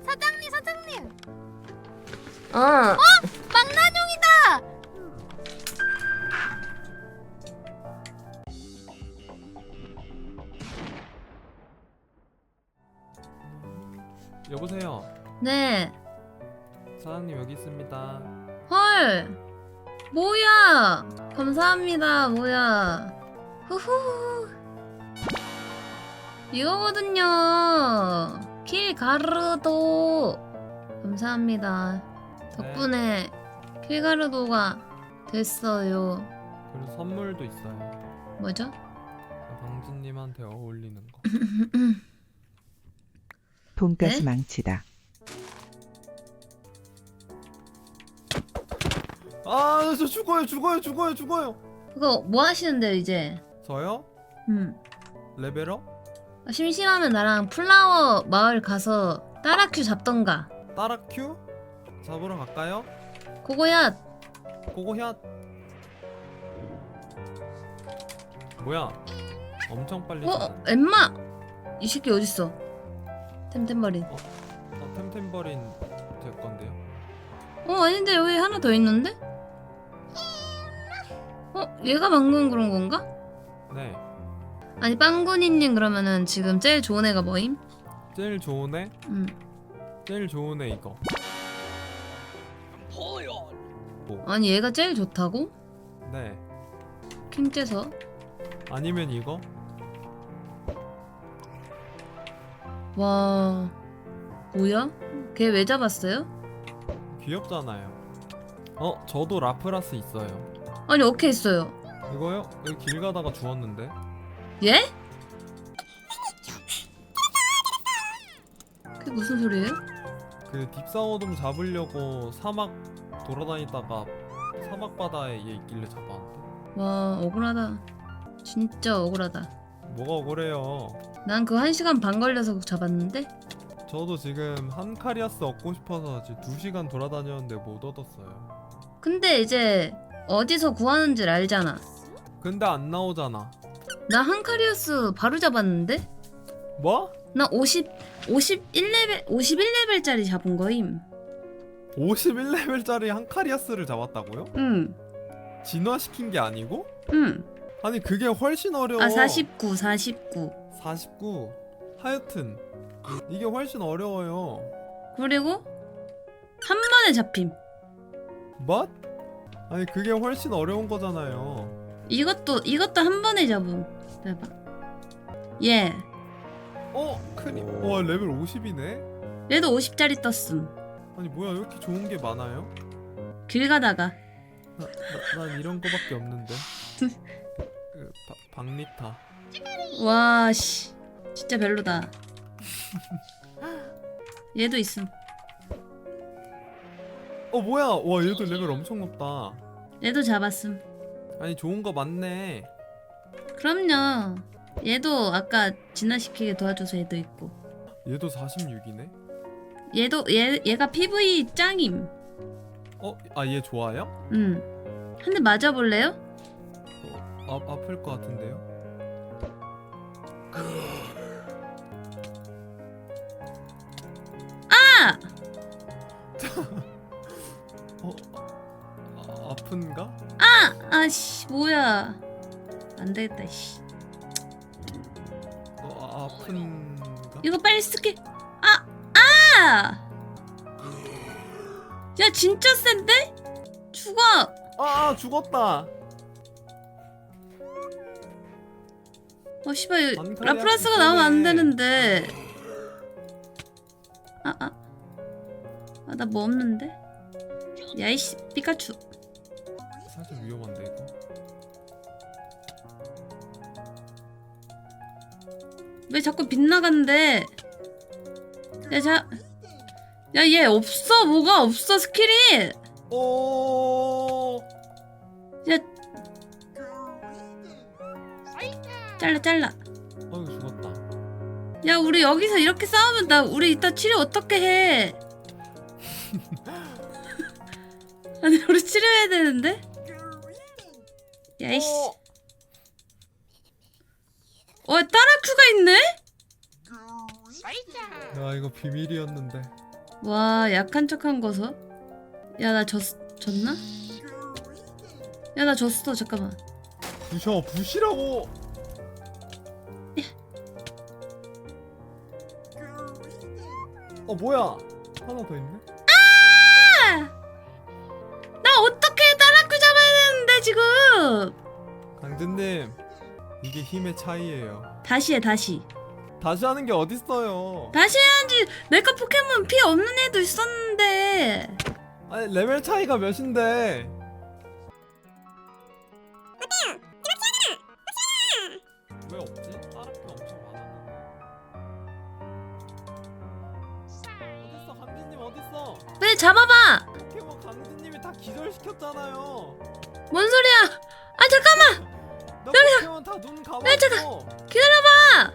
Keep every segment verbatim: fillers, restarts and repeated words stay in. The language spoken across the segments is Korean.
사장님 사장님. 어. 어? 망나뇽이다. 여보세요. 네. 사장님 여기 있습니다. 헐. 뭐야? 감사합니다. 뭐야? 후후. 이거거든요. 킬 가르도. 감사합니다. 덕분에 킬 가르도가 됐어요. 그리고 선물도 있어요. 뭐죠? 방진님한테 어울리는 거. 돈가스 네? 망치다. 아, 저 죽어요, 죽어요, 죽어요, 죽어요. 그거 뭐 하시는데요 이제? 저요? 음. 레벨업? 아, 심심하면 나랑 플라워 마을 가서 따라큐 잡던가. 따라큐? 잡으러 갈까요? 그거야. 고고샷. 뭐야? 엄청 빨리. 어? 잡았네. 엠마! 이 새끼 어딨어? 템템버린. 어, 템템버린 제 건데요. 어 아닌데 여기 하나 더 있는데? 어? 얘가 방금 그런 건가? 네. 아니 빵구니님 그러면은 지금 제일 좋은 애가 뭐임? 제일 좋은 애? 음. 제일 좋은 애 이거. 아니 얘가 제일 좋다고? 네. 킹째서? 아니면 이거? 와... 뭐야? 걔 왜 잡았어요? 귀엽잖아요. 어, 저도 라프라스 있어요. 아니 어케 있어요. 이거요? 여기 길 가다가 주웠는데. 예? 그게 무슨 소리예요? 그 딥사워돔 잡으려고 사막 돌아다니다가 사막 바다에 얘 있길래 잡았는데. 와 억울하다. 진짜 억울하다. 뭐가 억울해요. 난 그 한 시간 반 걸려서 잡았는데? 저도 지금 한카리아스 얻고 싶어서 지금 두 시간 돌아다녔는데 못 얻었어요. 근데 이제 어디서 구하는지 알잖아. 근데 안 나오잖아. 나 한카리우스 바로 잡았는데? 뭐? 나 오십, 오십일 레벨, 오십일 레벨짜리 잡은 거임. 오십일 레벨짜리 한카리아스를 잡았다고요? 응, 진화시킨 게 아니고? 응. 아니 그게 훨씬 어려워. 아, 사십구, 사십구. 사십구. 하여튼 이게 훨씬 어려워요. 그리고 한 번에 잡힘. What? 아니 그게 훨씬 어려운 거잖아요. 이것도, 이것도 한 번에 잡음. 대박. 예. 어? 크니? 와 레벨 오십이네? 얘도 오십짜리 떴음. 아니 뭐야 왜 이렇게 좋은 게 많아요? 길 가다가. 나, 나, 난 이런 거밖에 없는데. 그, 바, 박리타. 와, 씨. 진짜 별로다. 얘도 있음. 어 뭐야? 와 얘도 레벨 엄청 높다. 얘도 잡았음. 아니 좋은 거 많네. 그럼요. 얘도 아까 진화시키게 도와줘서 얘도 있고. 얘도 사십육이네? 얘도 얘 얘가 피브이 짱임. 어? 아 얘 좋아요? 음. 한 대 맞아볼래요? 어, 아, 아플 것 같은데요? 아! 어? 아, 아픈가? 아! 아씨 뭐야? 안 되겠다 씨. 어, 아, 아픈가? 이거 빨리 쓸게. 아! 아! 야 진짜 센데? 죽어. 아 죽었다. 어 씨발 반카리아 라프라스가 나오면 안 있었네. 되는데. 아 아. 아 나 뭐 없는데? 야이씨 피카츄. 살짝 위험한데 이거. 왜 자꾸 빗나간대? 야, 자, 야, 얘 없어, 뭐가 없어, 스킬이! 오. 야, 잘라, 잘라. 아이고 죽었다. 야, 우리 여기서 이렇게 싸우면 나, 우리 이따 치료 어떻게 해? 아니, 우리 치료해야 되는데? 야이씨. 어, 따라큐가 있네? 야 이거 비밀이었는데. 와 약한 척한 거서? 야 나 졌.. 졌나? 야 나 졌어 잠깐만. 부셔 부시라고. 어 뭐야? 하나 더 있네. 나 어떻게 따라큐 잡아야 되는데 지금. 강진님 이게 힘의 차이예요. 다시 해 다시. 다시 하는 게 어딨어요? 다시 해야지. 내가 포켓몬 피 없는 애도 있었는데. 아니 레벨 차이가 몇인데? 왜 없지? 다른 게 엄청 많았는데. 어딨어 강진님 어딨어? 왜 잡아봐. 포켓몬 강진님이 다 기절시켰잖아요. 뭔 소리야. 아 잠깐만. 너 포켓몬 다 눈 감았어. 기다려봐.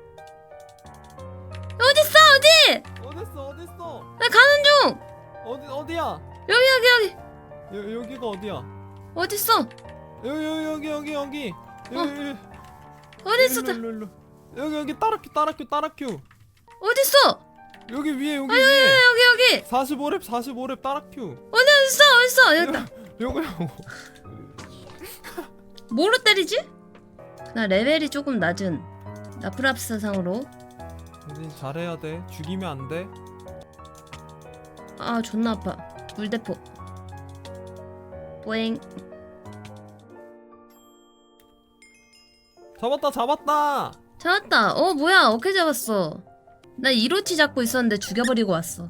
어딨어 어디. 어딨어 어딨어? 나 가는 중. 어디 어디야? 여기 여기 여기. 여, 여기가 어디야? 어딨어. 여기 여기 여기 여기 여기 여기 여기 어딨어. 일로, 일로, 일로. 여기 여기 따라큐 따라큐 따라큐 어딨어. 여기 위에 여기 아 여기 위에 여기 여기. 사십오 렙 사십오 렙 따라큐 어디 어딨어 어딨어. 여기다. 요거요. 뭐로 때리지? 나 레벨이 조금 낮은 나프랍스 상으로. 근데 잘해야 돼. 죽이면 안 돼. 아 존나 아파. 물대포. 뿌잉. 잡았다 잡았다. 잡았다. 어 뭐야 어떻게 잡았어. 나 이로치 잡고 있었는데 죽여버리고 왔어.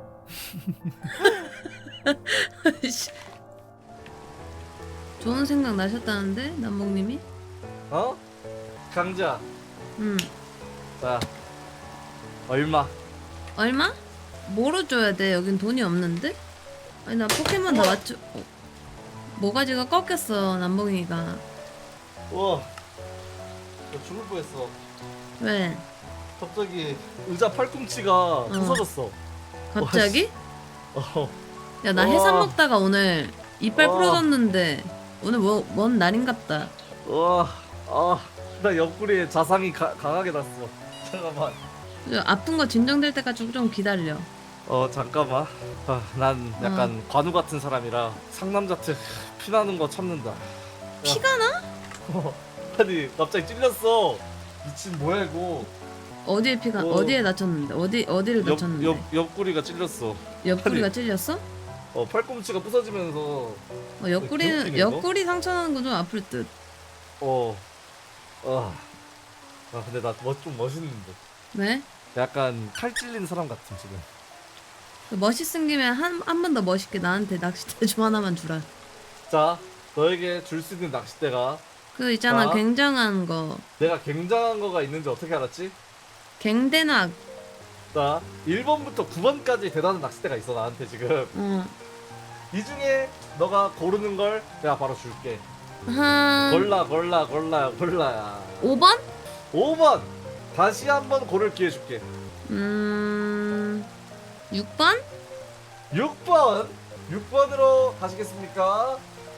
좋은 생각 나셨다는데 남봉님이? 어? 강자, 음 자 얼마? 얼마? 뭐로 줘야 돼? 여긴 돈이 없는데? 아니 나 포켓몬 다 맞춰. 어. 모가지가 꺾였어 남봉이가. 우와, 나 죽을 뻔했어. 왜? 갑자기 의자 팔꿈치가 부서졌어. 갑자기? 어, 야 나 와. 해삼 먹다가 오늘 이빨 와. 부러졌는데 오늘 뭐, 뭔 날인갑다. 와, 아, 나 옆구리에 자상이 가, 강하게 났어. 잠깐만. 아픈 거 진정될 때까지 좀 기다려. 어, 잠깐만. 아, 난 약간 관우 같은 사람이라 상남자 특 피나는 거 참는다. 피가 나? 어, 아니 갑자기 찔렸어. 미친 뭐야 이거? 어디에 피가? 어. 어디에 다쳤는데? 어디 어디를 옆, 다쳤는데? 옆 옆구리가 찔렸어. 옆구리가 아니. 찔렸어? 어, 팔꿈치가 부서지면서 어, 옆구리는 개웃기네, 이거? 옆구리 상처 나는 거 좀 아플 듯. 어, 아, 아 근데 나 좀 멋있는데. 왜? 약간 칼 찔린 사람 같은 지금. 멋있은 김에 한 한 번 더 멋있게 나한테 낚싯대 좀 하나만 주라. 자, 너에게 줄 수 있는 낚싯대가 그 있잖아 자. 굉장한 거. 내가 굉장한 거가 있는지 어떻게 알았지? 갱대낙. 자, 일 번부터 구 번까지 대단한 낚싯대가 있어 나한테 지금. 어. 이 중에 너가 고르는 걸 내가 바로 줄게. 한 골라 골라 골라 골라야. 오 번? 오 번 다시 한번 고를 기회 줄게. 음. 육 번? 육 번 육 번으로 가시겠습니까?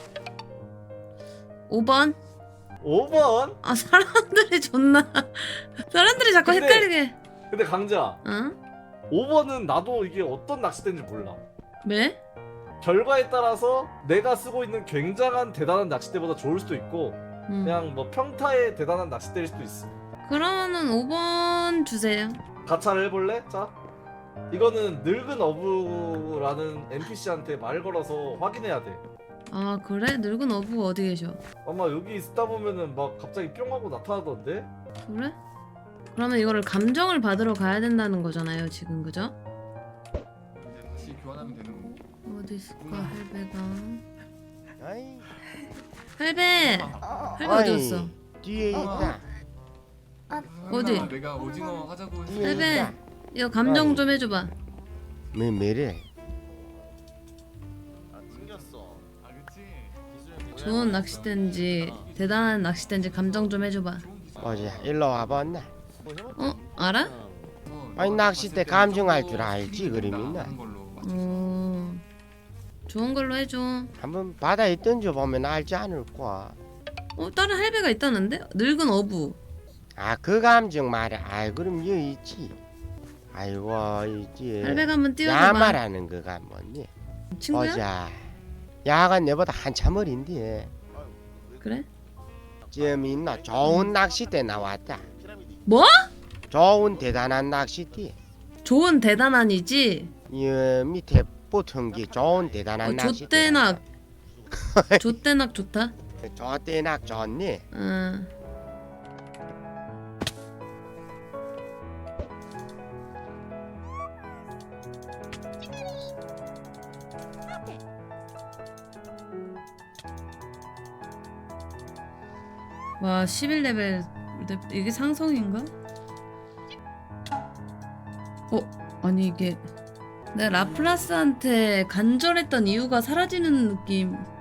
오 번? 오 번. 아 사람들이 존나 사람들이 자꾸 근데- 헷갈리게. 근데 강자, 응? 오 번은 나도 이게 어떤 낚싯대인지 몰라. 왜? 결과에 따라서 내가 쓰고 있는 굉장한 대단한 낚싯대보다 좋을 수도 있고 응. 그냥 뭐 평타의 대단한 낚싯대일 수도 있어. 그러면은 오 번 주세요. 가차를 해볼래? 자, 이거는 늙은 어부라는 엔피씨한테 말 걸어서 확인해야 돼. 아 그래? 늙은 어부가 어디 계셔? 아마 여기 있다 보면은 막 갑자기 뿅 하고 나타나던데? 그래? 그러면 이거를 감정을 받으러 가야 된다는 거잖아요 지금 그죠? 이제 다시 교환하면 되는 거고. 어디 있을까 할배가. 아이, 할배! 할배 어디 어이, 갔어? 뒤에 있다. 어디? 내가 오징어 하자고 뒤에 할배! 있다. 이거 감정 좀 해줘봐. 뭐 뭐래? 아 그치? 좋은 낚싯대인지 대단한 낚싯대인지 감정 좀 해줘봐. 어제 일로 와봤나? 어? 알아? 어, 아니, 너가 낚싯대 봤을 때 감정할 저거 줄 알지, 그림이나. 하는 걸로 맞춰. 어... 좋은 걸로 해줘. 한번 바다에 던져보면 알지 않을까? 어? 다른 할배가 있다는데? 늙은 어부. 아, 그 감정 말이야. 아이, 그럼 여기 있지. 아이고 이제 팔백 한번 띄워줘봐. 야말하는 거가 뭐니? 친구야? 보자. 야가 내보다 한참 어린데 그래? 지금 있나 좋은 낚싯대 나왔다. 뭐? 좋은 대단한 낚싯대. 좋은 대단한이지? 이 밑에 붙은 게 좋은 대단한 어, 낚싯대. 좆대낙 좆대낙 좋다. 좋대낙 좋니? 응. 와 십일 레벨 이게 상성인가? 어? 아니 이게 내가 라플라스한테 간절했던 이유가 사라지는 느낌.